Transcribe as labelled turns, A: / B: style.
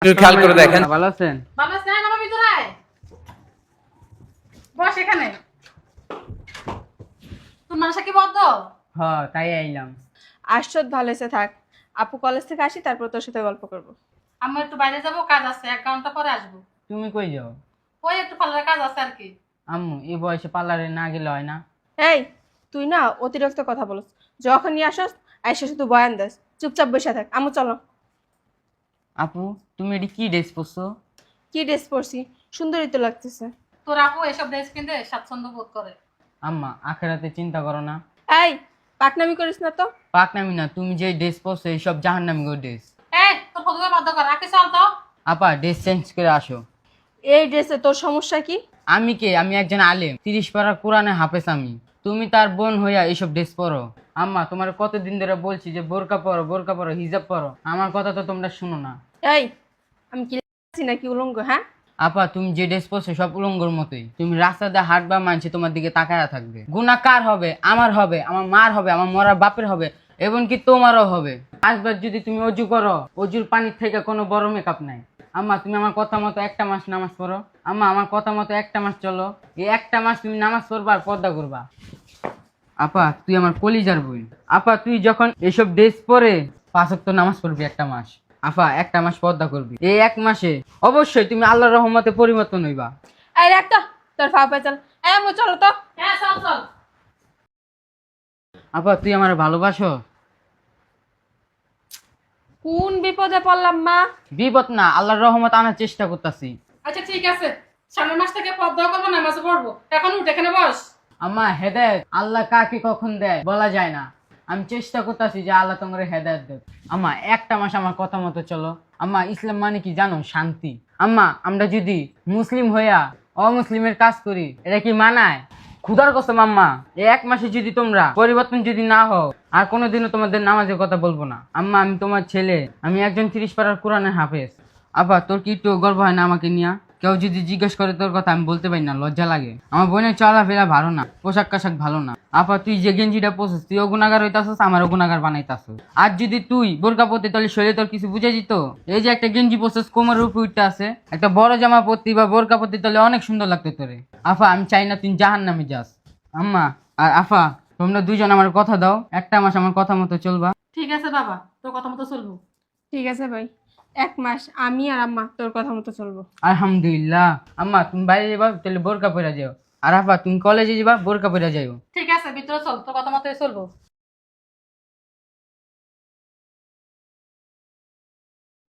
A: একটু খেয়াল করে দেখেন।
B: ভালো আছেন?
C: বাবা স্যার বাবা ভিতরে আয়। বস এখানে। তোর মানুষটা কি বদ্ধ?
B: তাই আইলাম।
D: আশ্চর্য ভালো হয়েছে, থাক। আপু কলেজ থেকে আসি, তারপর তোর সাথে গল্প করব।
C: আমি একটু বাইরে যাবো, কাজ আছে, 1 ঘন্টা পরে আসবো।
B: তুমি কই যাও?
C: ওই একটু পার্লারে কাজ আছে আর কি।
B: আম্মু এই বয়সে পার্লারে না গেলে হয় না?
D: এই, তুই না অতিরিক্ত কথা বলস। যখন নিয়ে আসস আইসা শুধু বয়ান দেস। চুপচাপ বসে থাক। আমু চলো।
B: আপু তুমি এটি কি ড্রেস পরছো?
D: কি ড্রেস পরছি? সুন্দরই তো লাগতেছে।
C: তোর আপু এসব ড্রেস কিনতে স্বাচ্ছন্দ্য বোধ করে।
B: আম্মা আখেরাতে চিন্তা করো না।
D: এই, পাকনামি করিস না তো।
B: পাকনামি না, তুমি যে ড্রেস পরছো এইসব জাহান্নামী গো ড্রেস।
C: এই তোর ফটোকে বাধ্য কর, রাখি চল তো।
B: আপা ড্রেস চেঞ্জ করে আসো।
D: এই ড্রেসে তোর সমস্যা কি?
B: আমি কে? আমি একজন আলেম, 30 পারা কোরআনে হাফেজ আমি। তুমি তার বোন হইয়া এইসব ড্রেস পরো? আম্মা তোমার কতদিন ধরে বলছি যে বোরকা পরো, বোরকা পরো, হিজাব পরো, আমার কথা তো তোমরা শুনো না।
D: এই, আমি কি লাগছি নাকি উলঙ্গ? হ্যাঁ,
B: আপা তুমি যে ড্রেস পরছো সব উলঙ্গর মতোই। তুমি রাস্তা দিয়ে হাঁটবা, মানছে তোমার দিকে তাকায়া থাকবে। গুনাহ কার হবে? আমার হবে, আমার মার হবে, আমার মরার বাপের হবে, এমনকি তোমারও হবে। আসবার যদি তুমি অজু করো, অজুর পানির থেকে কোনো বড় মেকআপ নাই। আম্মা তুমি আমার কথা মতো একটা মাস নামাজ পড়ো। আম্মা আমার কথা মতো একটা মাস চলো। এই একটা মাস তুমি নামাজ পড়বা আর পর্দা করবা। আপা তুই আমার কলিজার বই। আপা তুই যখন এসব ড্রেস পরে 5 ওয়াক্ত নামাজ পড়বি একটা মাস। আপা একটা মাস পর্দা করবি। এই 1 মাসে অবশ্যই তুমি আল্লাহর রহমতে পরিবর্তন হইবা।
D: এই রাখ তো তোর ফাপা, চল। এই আমু চলো তো।
C: হ্যাঁ চল চল।
B: আপা তুই আমার ভালোবাসো?
D: কোন বিপদে পড়লাম মা?
B: বিপদ না, আল্লাহর রহমত আনার চেষ্টা করতেছি।
C: আচ্ছা ঠিক আছে, সামনের মাস থেকে পর্দা করবো, নামাজ পড়বো। এখন উঠ, এখানে বস।
B: আম্মা হেদায়েত আল্লাহ কাকে কখন দেয় বলা যায় না। আমি চেষ্টা করতেছি যে আল্লাহ তোমার হেদায়েত দেয়। আম্মা একটা মাস আমার কথা মতো চলো। আম্মা ইসলাম মানে কি জানো? শান্তি। আম্মা আমরা যদি মুসলিম হইয়া অমুসলিমের কাজ করি এটা কি মানায়? খুদার কসম আম্মা, এই 1 মাসে যদি তোমরা পরিবর্তন যদি না হও, আর কোনোদিনও তোমাদের নামাজের কথা বলবো না। আম্মা আমি তোমার ছেলে, আমি একজন 30 পারার কোরআনের হাফেজ। আপা তোর কি একটু গর্ব হয় না আমাকে নিয়া? কেউ যদি জিজ্ঞেস করে তোর কথা আমি বলতে পারি না, লজ্জা লাগে। আমার বোনের চলাফেরা ভালো না, পোশাক আশাক ভালো না। আপা তুই যে গেঞ্জিটা পরছিস তুইও গুনাগার হইতাছিস, আমারও গুনাগার বানাইতাছিস। আর যদি তুই বোরকা পরতি তাহলে শরীরে তোর কিছু বুঝে যেত? এই যে একটা গেঞ্জি পরছিস কোমরের উপর উঠতে আছে, একটা বড় জামা পরতি বা বোরকা পরতি তাহলে অনেক সুন্দর লাগতো তোরে। আফা আমি চাই না তুই জাহান্নামে যাস। আম্মা আর আফা তোমরা দুইজন আমার কথা দাও, একটা মাস আমার কথা মতো চলবা।
C: ঠিক আছে বাবা, তোর কথা মতো চলবো।
D: ঠিক আছে ভাই, 1 মাস আমি আর আম্মা তোর কথা মতো চলবো।
B: আলহামদুলিল্লাহ। আম্মা তুমি বাইরে যাবা তাহলে বোরকা পরে যাও, আর আফা তুমি কলেজে যাবা বোরকা পরে যাও।
C: ঠিক আছে ভিতরে চল, তোর কথা মতোই চলবো।